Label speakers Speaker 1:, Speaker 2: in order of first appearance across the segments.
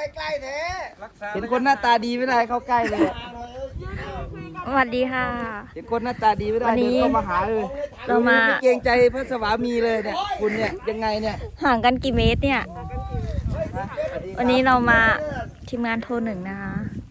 Speaker 1: ใกล้ๆแท้
Speaker 2: เห็นคนหน้าตาดีไม่ได้เข้าใกล้เลย
Speaker 3: สวัสดีค่ะ
Speaker 2: เห็นคนหน้าตาดีไม่ได้
Speaker 3: วันนี้
Speaker 2: เดินเข้ามาหาเลย
Speaker 3: เรามา
Speaker 2: ไม่เกรงใจพระสวามีเลยเนี่ยคุณเนี่ยยังไงเนี่ย
Speaker 3: ห่างกันกี่เมตรเนี่ย วันนี้เรามาทีมงานโทรหนึ่งนะคะ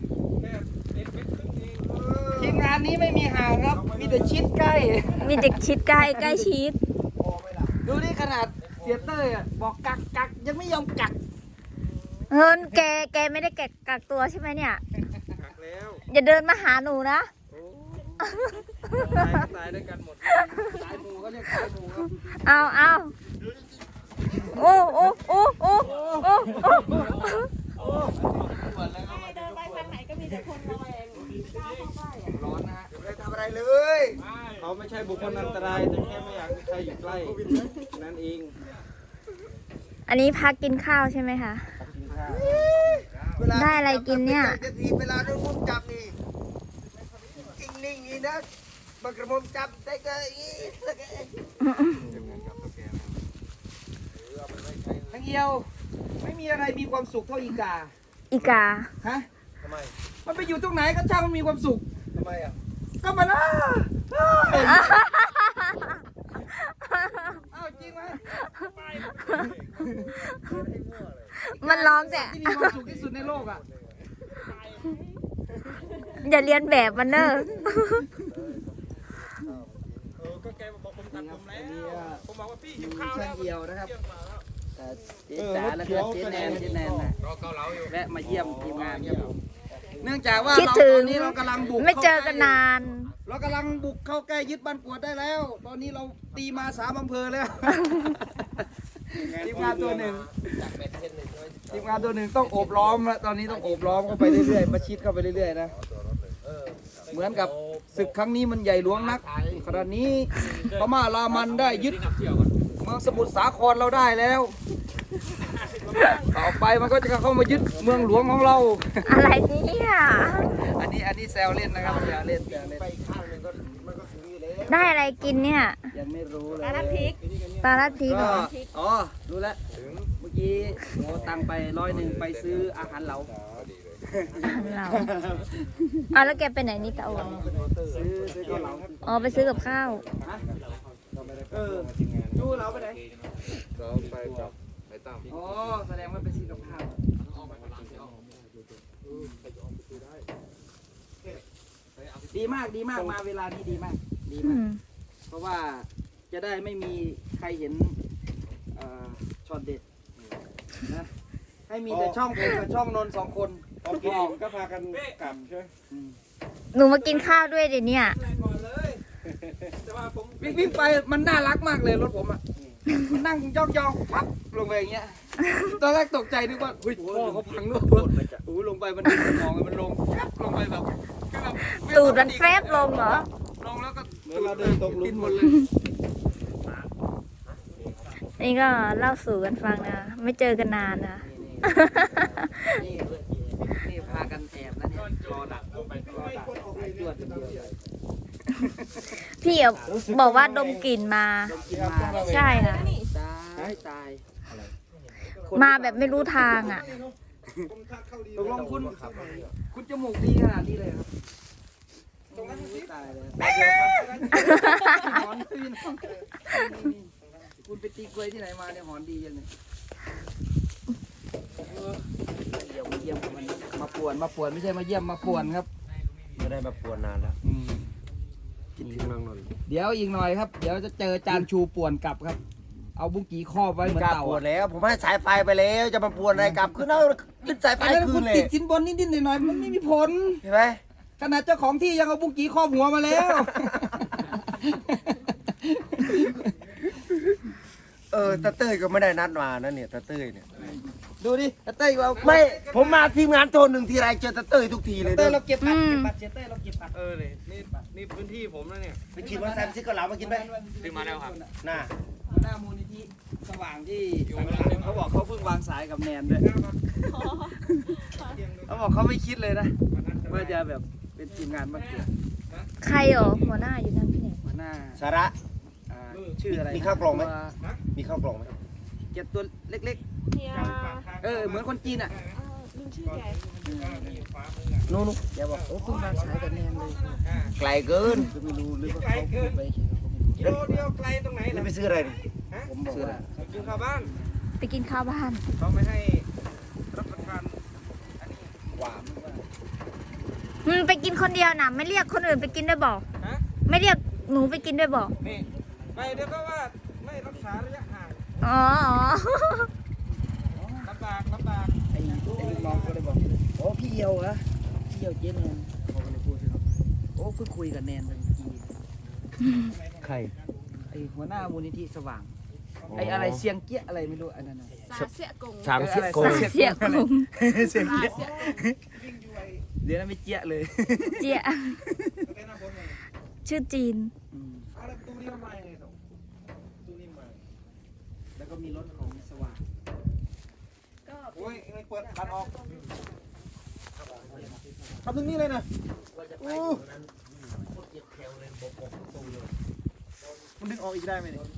Speaker 2: ทีมงานนี้ไม่มีห่างครับ มีแต่ชิดใกล้
Speaker 3: มีเด็กชิดใกล้ใกล้ชิด
Speaker 2: ดูนี่ขนาดเสียเต้ยอ่ะบอกกักยังไม่ยอมกัก
Speaker 3: เฮินแกไม่ได้กักตัวใช่ไหมเนี่ย อย่าเดินมาหาหนูนะ
Speaker 2: ตายด้วยกันหมดสายหมูเขาเรียกสายหมูครับ
Speaker 3: เอาโอ้โอ้โอ้โอ้โอ้โอ้
Speaker 4: เดินไปทางไหนก็มีแต่คนระแวงกล้าเข้าใกล้อะ
Speaker 2: ร้อนนะฮะ
Speaker 1: ไม่ได้ทำอะไรเลย
Speaker 5: เขาไม่ใช่บุคคลอันตรายแต่แค่ไม่อยากให้ใครอยู่ใกล้นั่นเอง
Speaker 3: อันนี้พักกินข้าวใช่ไหมคะ
Speaker 5: กินข้าว
Speaker 3: ได้อะไรกินเนี่ย
Speaker 1: จะทีเวลาโดนมุมจับนี่อิงนิ่งนี่นะมันกระมุมจับได้ก็อีสัก
Speaker 2: ทั้งเอียวไม่มีอะไรมีความสุขเท่าอีกา
Speaker 3: อีกา
Speaker 2: ฮะ
Speaker 1: ทำไม
Speaker 2: มันไปอยู่ตรงไหนก็ช่างมันมีความสุข
Speaker 1: ทำไมอ่ะ
Speaker 2: ก็มันอ้าวจริงไหม
Speaker 3: มันร้องแต่
Speaker 2: ที่มีความสุขที่สุดในโลกอ่ะ
Speaker 3: อย่าเรียนแบบมันเนอะ
Speaker 5: ก็แกบอกผมตัดผมแล้วผมบอกว่าพี่หิวข้าว
Speaker 2: ช่า
Speaker 5: แล้
Speaker 2: ง
Speaker 5: ว
Speaker 2: เดียวนะครับเจ๊จ๋าแล้วก็เจ๊แนนนะแวะมาเยี่ยมทีมงานครับผมเนื่องจากว่า
Speaker 3: คิด
Speaker 2: เรา
Speaker 3: ถึ
Speaker 2: ตอง นนี้เรากำลังบุก
Speaker 3: ไม่เจอกันนาน
Speaker 2: เรากำลังบุกเข้าใกล้ยึดบ้านกวดได้แล้ว ตอนนี้เราตีมา3 อำเภอแล้วทีมงานตัวหนึ่งทีมงานตัวหนึ่งต้องโอบล้อมแล้วตอนนี้ต้องโอบล้อมเข้าไปเรื่อยๆประชิดเข้าไปเรื่อยๆนะเหมือนกับศึกครั้งนี้มันใหญ่หลวงนักขณะนี้พม่ารามันได้ยึดเมืองสมุทรสาครเราได้แล้วต่อไปมันก็จะเข้ามายึดเมืองหลวงของเรา
Speaker 3: อะไรเนี่ย
Speaker 2: อันนี้แซวเล่นนะครับแซวเล่น
Speaker 1: ไปข้างหนึ่งก็มันก็ถึงอยู่แล้ว
Speaker 3: ได้อะไรกินเนี่ย
Speaker 2: ยังไม่รู้เลย
Speaker 4: ปลาลัดพริก
Speaker 3: ปลาลัดพริกเหร
Speaker 2: ก็
Speaker 3: อ
Speaker 2: อ๋อรู้แล้วเมื่อกี้โมตังไป101ไปซื้ออาหารเหลา
Speaker 3: เราเอาแล้วแกไปไหนนี่ตาโอน
Speaker 2: ซื้อข้าวเหลา
Speaker 3: อ๋อไปซื้อกับข้าว
Speaker 2: ฮะดูเราไปไหน
Speaker 1: เราไปจับไปตั้ม
Speaker 2: อ๋อแสดงว่าไปซื้อกับข้าวดีมากดีมากมาเวลานี้ดีมากดี
Speaker 3: อื
Speaker 2: มาก
Speaker 3: ม
Speaker 2: เพราะว่าจะได้ไม่มีใครเห็นช็อตเด็ดนะให้มีแต่ช่องผมกับช่องนนท์2 คน
Speaker 5: พอกินอิ่มก็พากันกลับใช่ไหม
Speaker 3: หนูมากินข้าวด้วยเดี๋ยวเนี้
Speaker 5: แต่ว่าผม
Speaker 2: วิ่งไปมันน่ารักมากเลยรถผมอ่ะมันนั่งย่องๆปั๊บลงไปอย่างเงี้ยตอนแรกตกใจนึกว่าเฮ้ยพ่อเขาพังด้วยโอ้โหลงไปมันดึงสมองมันลงปั๊บลงไปแบบคือแบบ
Speaker 3: ตูดมันแฟบลงเหรอ
Speaker 2: ลงแล้วก็
Speaker 5: เมื่อเราเดินตกหลุ
Speaker 2: ดิ
Speaker 5: ม
Speaker 2: นหมดเลย
Speaker 3: นี่ก็เล่าสู่กันฟังนะ ไม่เจอกันนานนะ
Speaker 2: นี่พากันแอบนะเนี่ยรอดักลงไปรอดักไอ้ตัวเดียวเลย
Speaker 3: พี่อะบอกว่าดมกลิ่นมา
Speaker 2: กินมา
Speaker 3: ใช่ค่ะ
Speaker 2: ตาย
Speaker 3: มาแบบไม่รู้ทางอ่ะ
Speaker 2: ตกลงคุณจมูกดีขนาดนี้เลยครับตายเลยหอนตื่นคุณไปตีกล้วยที่ไหนมาเนี่ยหอนดีจังเลยเดี๋ยวมาเยี่ยมมันมาป่วนไม่ใช่มาเยี่ยมมาป่วนครับ
Speaker 1: ไม่ได้มาปวนนานแล้วคิดถึงนางนนท์
Speaker 2: เดี๋ยวอีกหน่อยครับ เดี๋ยวจะเจอจานชูป่วนกลับครับ เอาบุ้งกี้ครอบไว้เหมือน
Speaker 1: กล้า
Speaker 2: เต่า
Speaker 1: ปวด
Speaker 2: อะ
Speaker 1: แล้ว ผมให้สายไฟไปแล้วจะมาปวนอะไรกลับขึ้นเอาขึ้นสายไฟ
Speaker 2: อันนั้น
Speaker 1: คื
Speaker 2: คุ
Speaker 1: น
Speaker 2: ณ
Speaker 1: เล
Speaker 2: ติ
Speaker 1: ย
Speaker 2: ดสินบนนิดๆหน่อยๆมันไม่มีผล
Speaker 1: ใช่ไหม
Speaker 2: ขนาดเจ้าของที่ยังเอาบุ้งกี้ครอบหัวมาแล้ว
Speaker 1: ตาเต้ยก็ไม่ได้นัดมานะเนี่ยตาเต้ยเนี่ย
Speaker 2: ดูดิเต้ยเรา
Speaker 1: ไม่ผมมาทีมงานโทรหนึ่งทีไรเจอตาเต้ยทุกทีเลย
Speaker 2: เต้
Speaker 1: เด้
Speaker 2: ย
Speaker 1: อ
Speaker 2: เราเก็บบัตรเต้ยเราเก็บบัตร
Speaker 5: นี่พื้นที่ผมแล้วเนี่ย
Speaker 1: ไปขี่มอเตอร์ไซค์ไปซื้อเกาเหลามากินไหม
Speaker 5: ซื้อมาแล้วครับ
Speaker 1: น่า
Speaker 2: หน้ามูลนิธิสว่างที่เขาบอกเขาเพิ่งวางสายกับแนนด้วยเขาบอกเขาไม่คิดเลยนะว่าจะแบบเป็นทีมงานบ้างเกิด
Speaker 3: ใครเหรอหัวหน้าอยู่นั่นพี่เนี่ย
Speaker 2: หัวหน้า
Speaker 1: สาระ
Speaker 2: ชื่ออะไร
Speaker 1: มีข้าวกล่องไหม มีข้าวกล่องไหม
Speaker 2: เก็บตัวเล็ก
Speaker 4: เฮีย
Speaker 2: ๆเหมือนคนจีนอ่ะ
Speaker 4: ลุงชื่อแก
Speaker 2: นู่นแกบอกโอ้เพิ่งมาสายกับแนนเลย
Speaker 1: ไกลเกิน
Speaker 2: ก็ไม่รู้หรือว่าเขาพูดไปเฉยๆเขาก็ไม่รู้
Speaker 5: กิโลเดียวไกลตรงไหน
Speaker 1: แล้ว
Speaker 5: ล่ะ
Speaker 1: ไปซื้ออะไรดิ
Speaker 2: ผมบอกว่า
Speaker 5: กินข้าวบ้าน
Speaker 3: ไปกินข้าวบ้าน
Speaker 5: เขาไม่ให้รับประทาน
Speaker 2: หวานว่า
Speaker 3: ไปกินคนเดียวนะไม่เรียกคนอื่นไปกินด้วยบอก
Speaker 5: ฮะ
Speaker 3: ไม่เรียกหนูไปกินด้วยบอก
Speaker 5: นี่ไปเดี๋ยวก็ว่าไม่รักษาระยะห่าง
Speaker 3: อ๋อ
Speaker 5: ลำบากลำบาก
Speaker 2: ไอ้ลูกน้องก็เลยบอกโอ้พี่เอียวเหรอพี่เอียวเจ๊แนนเขาก็เลยพูดสิครับโอ้เพิ่งคุยกับแนนเมื่อกี้
Speaker 1: ใคร
Speaker 2: ไอ้หัวหน้ามูลนิธิสว่างไอ้อะไรเสียงเกี้ยอะไรไม่รู้อันนั้นน่ะ
Speaker 4: สาเสียกง
Speaker 1: สามสิบ
Speaker 2: อะไร
Speaker 1: คน
Speaker 3: สาเสียกรุง
Speaker 2: เสียงเกี้ยเดี๋ยวนั้นไม่เกี้ยเลย
Speaker 3: เจีย
Speaker 5: เป็นหน้าคนเลย
Speaker 3: ชื่อจีน
Speaker 2: อืม
Speaker 5: เอาแล้วตู้นี้ทำไมเลยส่งตู้นี้มา
Speaker 2: แล้วก็มีรถของสว่าง
Speaker 4: ก็
Speaker 5: โอ้ยไม่เปิดบันออกทำตรงนี้เลยนะมันดึงออกอีกได้ไหมเนี่ย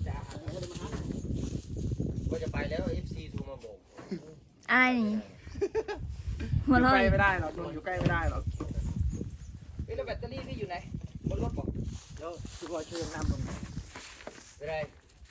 Speaker 1: ก็จะไปแล้ว FC โทรมาบอก
Speaker 3: อะไรนี่หัว
Speaker 2: อยู่
Speaker 3: เราะ
Speaker 2: ใกล้ไม่ได้หรอกโดนอยู่ใกล้ไม่ได้หรอก
Speaker 1: เฮ้ยแล้วแบตเตอรี่พี่อยู่ไหนบนรถบอก
Speaker 2: เดี๋ยวทุกคนช่วยนำลงมา
Speaker 1: ไม่ได้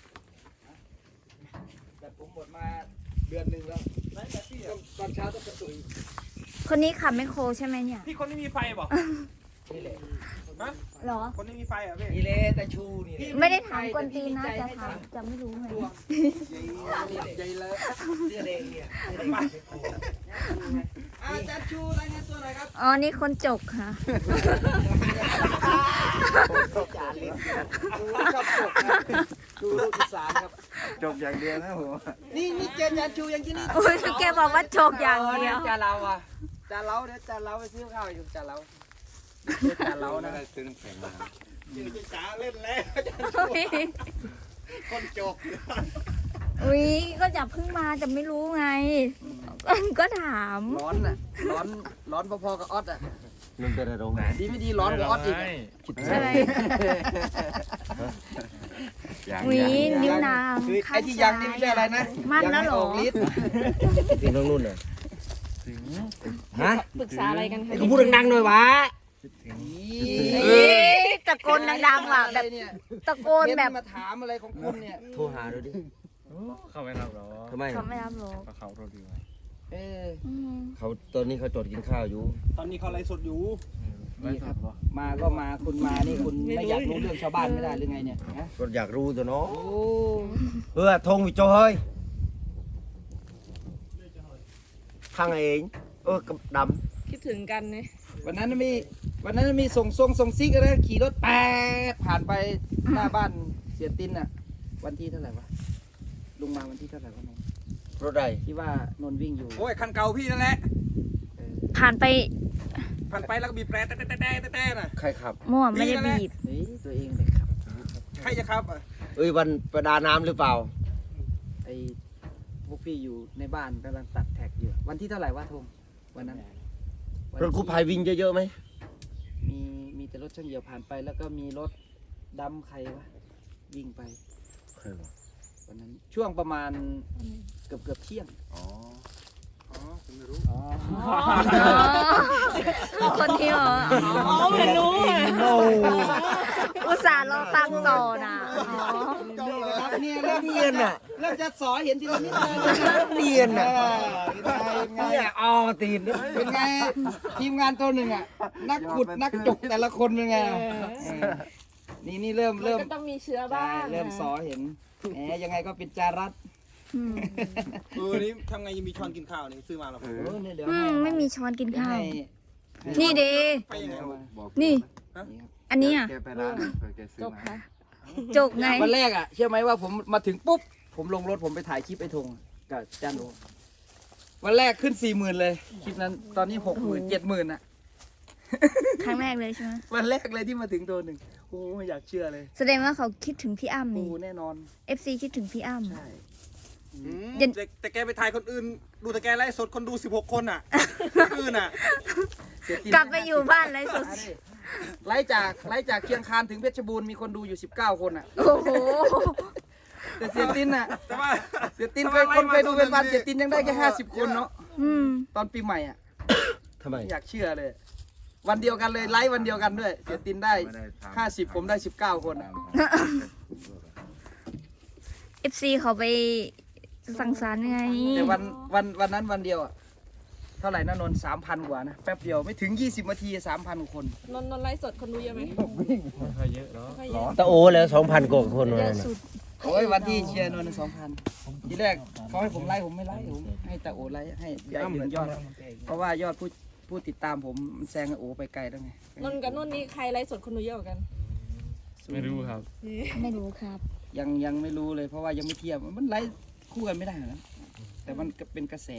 Speaker 2: แต่ผมหมดมาเดือนหนึ่งแล้วตอนเช้าต้องกระตุย
Speaker 3: คนนี้ขับไมคโครใช่ไหมเนี่ย
Speaker 5: พี่คนนี้มีไฟบอก
Speaker 1: นี่แหละ
Speaker 5: ฮะ
Speaker 3: เหรอ
Speaker 5: คนนี้มีไฟเหรอ่ะพี่
Speaker 1: นี่แหละแต่ชูนี่แหละ
Speaker 3: ไม่ได้ถามกวนตีนนะจะถามจะไม่รู้ไง
Speaker 1: นี่แหละ
Speaker 2: ใหญ่เลย
Speaker 1: เสื้อแดงเนี่ย
Speaker 2: อาจารย์ชูรายงานตัวหน่อยครับ
Speaker 3: อ๋อ นี่คนจกค่ะ
Speaker 1: จานเลย
Speaker 2: ดูชอบจบครับดูลูกอีสานครับ
Speaker 5: จบอย่างเดียวนะผม
Speaker 2: นี่เจนอาจารย์ชูอย่างที่นี่
Speaker 3: โอ้ยแกบอกว่าจกอย่างเดียว
Speaker 2: จานเราอ่ะจานเราเดี๋ยวจานเราไปซื้อข้าวอยู่จานเราจานเรานะ
Speaker 5: ซื้อน้ำแข็งมาชื่อจ๋าเล่นแล้วคนจบ
Speaker 3: อุ้ยก็อย่าเพิ่งมาจะไม่รู้ไง ก็ถาม
Speaker 2: ร้อนอ่ะร้อนพอๆกับออสอ่ะ
Speaker 1: มันเป็นอะไรโรงงาน
Speaker 2: ดีไม่ดีร้อนกว่าออสอีก
Speaker 3: อะไร อุ้ยนิ้วนาง
Speaker 2: คือ
Speaker 3: ข้า
Speaker 2: ไอ้ที่ยังนี่ไม่ใช่อะไรนะ
Speaker 3: มันแล้วเหรอ
Speaker 2: ยังไม่กฤทธิ์
Speaker 1: ถึงตรงนู้นเลยฮะ
Speaker 4: ปรึกษาอะไรกันคะ
Speaker 1: ก็พูดดังๆหน่อยวะ
Speaker 3: เอ๊ะตะโกนดังๆว่ะแบบ
Speaker 2: เนี่ย
Speaker 3: ตะโกนแบบ
Speaker 2: มาถามอะไรของคุณเนี่ย
Speaker 1: โทรหาดูดิ
Speaker 5: เข้าไม่รับหรอ
Speaker 1: ทำไม
Speaker 3: เขาไม่รับหรอก
Speaker 5: เขาโทษดีไว้
Speaker 2: เออ
Speaker 3: อืม
Speaker 1: เขาตอนนี้เขาจดกินข้าวอยู่
Speaker 5: ตอนนี้เขาไลฟ์สดอยู่
Speaker 2: นี่ครับมาก็มาคุณมานี่คุณไม่อยากรู้เรื่องชาวบ้านไม่ได้หรือไงเนี่ยฮะ
Speaker 1: ก็อยากรู้ตัวเนาะ
Speaker 2: โอ้
Speaker 1: ทงวิโจเฮ้ยทางเองกับด
Speaker 4: คิดถึงกันเนี่ย
Speaker 2: วันนั้นมีส่งซิกอะไรขี่รถแปดผ่านไปหน้าบ้านเสียตินอ่ะ วันที่เท่าไหร่วะลุงมาวันที่เท่าไหร่วะนนท์
Speaker 1: ำรถใด
Speaker 2: ที่ว่านนท์วิ่งอยู่
Speaker 5: โอ้ยคันเก่าพี่นั่นแหละ
Speaker 2: เออ
Speaker 3: ผ่านไป
Speaker 5: ผ่านไปแล้วก็บีบแตรแต่น่ะ
Speaker 1: ใครขับ
Speaker 3: มั่วไม่ได้บีบ
Speaker 2: เฮ้ยตัวเองเลยครับ
Speaker 5: ใครจะขับอ่ะ
Speaker 1: วันประดาน้ำหรือเปล่า
Speaker 2: ไอ้พวกพี่อยู่ในบ้านกำลังตัดแท็กอยู่วันที่เท่าไหร่วะทงวันนั้นวัน
Speaker 1: รถกู้ภัยวิ่งเยอะๆไหม
Speaker 2: มีแต่รถช่างเหี่ยวผ่านไปแล้วก็มีรถดำใครวะวิ่งไป
Speaker 1: ใครวะ
Speaker 2: วันนั้นช่วงประมาณเกือบเที่ยง
Speaker 5: อ๋อผมไม่รู้
Speaker 2: อ๋อ
Speaker 3: อ๋อคนที่เหรออ๋อ
Speaker 4: ไม่รู้อ่ะ
Speaker 3: อุตส่าห์รอตังค์ต่อนะอ๋อ
Speaker 2: เนี่ยเริ่ม
Speaker 1: เนียนอ่ะ
Speaker 2: เริ่มจะสอเห็นทีละนิดเลย
Speaker 1: เนียนอ่ะ
Speaker 2: เป็นไง
Speaker 1: เนี่ยอ๋อตีน
Speaker 2: เป็นไงทีมงานตัวหนึ่งอ่ะนักขุดนักจกแต่ละคนเป็นไงนี่เริ่ม
Speaker 4: ก็ต้องมีเชื้อบ้าง
Speaker 2: เริ่มสอเห็นแหมยังไงก็เป็นจารัต
Speaker 3: อืม
Speaker 5: นี่ทำไงยังมีช้อนกินข้าวนี่ซื้อมาแล้ว
Speaker 2: เนี่ยเดี๋ยว
Speaker 3: ไม่มีช้อนกินข้าว
Speaker 2: ให้
Speaker 3: นี่เด
Speaker 5: ไปยังไง
Speaker 3: นี่
Speaker 2: นี่ครับ
Speaker 3: อันนี้อ่ะ
Speaker 5: แกไปร้านแกซื้อ
Speaker 4: จบ
Speaker 5: มา
Speaker 4: ค่ะ
Speaker 3: จกไง
Speaker 2: วันแรกอ่ะเชื่อไหมว่าผมมาถึงปุ๊บผมลงรถผมไปถ่ายคลิปไอ้ธงกับจานโอวันแรกขึ้น 40,000 เลยคลิปนั้นตอนนี้ 60,000 70,000อ่ะ
Speaker 3: ครั้งแรกเลยใช่ไหม
Speaker 2: วันแรกเลยที่มาถึงตัวหนึ่งโอ้ไม่อยากเชื่อเลย
Speaker 3: แสดงว่าเขาคิดถึงพี่อ้ำ
Speaker 2: โอ้
Speaker 3: นี่
Speaker 2: แน่นอน
Speaker 3: FC คิดถึงพี่อ้ำ
Speaker 2: ใช่
Speaker 5: แต่แกไปถ่ายคนอื่น ดูแต่แกไลฟ์สดคนดู16 คนอ่ะคนอื่นอ่ะ
Speaker 3: กลับไปอยู่บ้านเลยสุด
Speaker 2: ไล่จากเชียงคานถึงเพชรบูรณ์มีคนดูอยู่19 คนอ่ะ
Speaker 3: โอ้โห
Speaker 2: แต่เสียตินอ่ะ
Speaker 5: แต่ว่า
Speaker 2: เสียตินเคยดูเป็นพันเสียตินยังได้แค่50 คนเนาะ
Speaker 5: โอ้
Speaker 3: อืม
Speaker 2: ตอนปีใหม่อ่ะ
Speaker 6: ทำไม
Speaker 2: ไม่อยากเชื่อเลย วันเดียวกันเลยไลฟ์วันเดียวกันด้วย เสียตินได้ 50 ผมได้ 19 คนอะ
Speaker 3: FC เขาไปสังสรรค์ไง
Speaker 2: แต่วันนั้นวันเดียวอ่ะ เท่าไหร่นะนนท์3,000 กว่านะ แป๊บเดียวไม่ถึง 20 นาที 3,000 คน
Speaker 4: นนท์ไลฟ์สดคนดูเยอะไหม
Speaker 5: ไม่ค่อยเยอะเนาะ
Speaker 4: ไม่เยอะ
Speaker 6: ตะโอแล้ว2,000 กว่าคน
Speaker 3: เย
Speaker 6: นั่
Speaker 3: อะ
Speaker 6: นน่ะ
Speaker 3: สุด
Speaker 2: โอ้ยวันที่เชียร์นนท์2,000 ทีแรกเขาให้ผมไลฟ์ผมไม่ไลฟ์ผมให้ตาโอไลฟ์ให้ได้ถึงยอด เพราะว่ายอดผู้ติดตามผมมันแซงโอไปไกลแล้วไง
Speaker 4: นนท์กับนุ่นนี่ใครไลฟ์สดคนดูเยอะกว่ากัน
Speaker 5: ไม่รู้ครับ
Speaker 3: ไม่รู้ครับ
Speaker 2: ยังไม่รู้เลยเพราะว่ายังไม่เทียบมันไลฟ์คู่กันไม่ได้นะแต่มันก็เป็นกระแส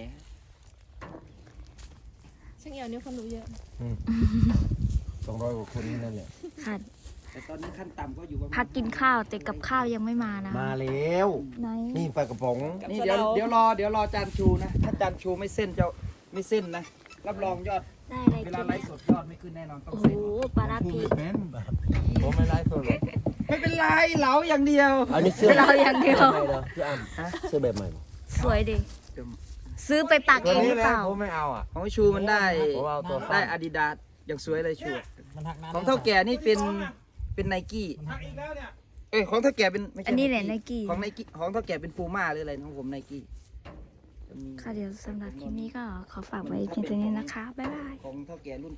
Speaker 4: ช่างเอี่ยวนี่คนดูเยอะ
Speaker 6: 200 กว่าคนนั่นแหละ
Speaker 3: ค่ะ
Speaker 2: แต่ตอนนี้ขั้นต่ำก็อยู่ประมาณ
Speaker 3: พักกินข้าวแต่กับข้าวยังไม่มานะ
Speaker 6: มาแล้ว
Speaker 3: ไหน
Speaker 6: นี่ปลากระป๋อง
Speaker 2: นี่เดี๋ยวรอจานชูนะ ถ้าจานชูไม่เส้นจะไม่เส้นนะ รับรองยอด
Speaker 3: ได้อะไร
Speaker 2: เว
Speaker 3: กิ
Speaker 2: ลาน ไล
Speaker 3: เนี่ย
Speaker 2: ฟ์สดยอดไม่ขึ้นแน่นอนต้อง
Speaker 3: โอ้โห
Speaker 2: เส้น
Speaker 3: ปลาร้าพริก
Speaker 6: ผมไม่ไลฟ์สดหรอก
Speaker 2: ไม่เป็นไรเหลาอย่างเดียว
Speaker 6: อันนี้เสื้อ
Speaker 3: เราอย่างเดียว
Speaker 6: ใหม่เหรอพี่อ้ำเสื้อแบบใหม่บ่
Speaker 3: สวยดิ ซื้อไปปัก
Speaker 6: ตัว
Speaker 3: เองห
Speaker 6: นี้
Speaker 3: รือ
Speaker 6: แห
Speaker 3: เป
Speaker 6: ละ
Speaker 3: ล่า
Speaker 6: ผมไม่เอาอ่ะ
Speaker 2: ของชูมันได้
Speaker 6: ผมเอาตัวสั้น
Speaker 2: ได้อาดิดาสอย่างสวยเลยชูของเท่าแก่นี่เป็นไนกี้ของเท่าแก่เป็นไม่ใช่
Speaker 3: อันนี้แหละ Nike
Speaker 2: ของไนกี้ของเท่าแก่เป็นฟูม่าหรืออะไรของผมไนกี้
Speaker 3: ค่ะเดี๋ยวสำหรับคลิปนี้ก็ขอฝากไว้เพียงเท่านี้นะคะ บ๊ายบาย
Speaker 2: ของเท่าแก่รุ่น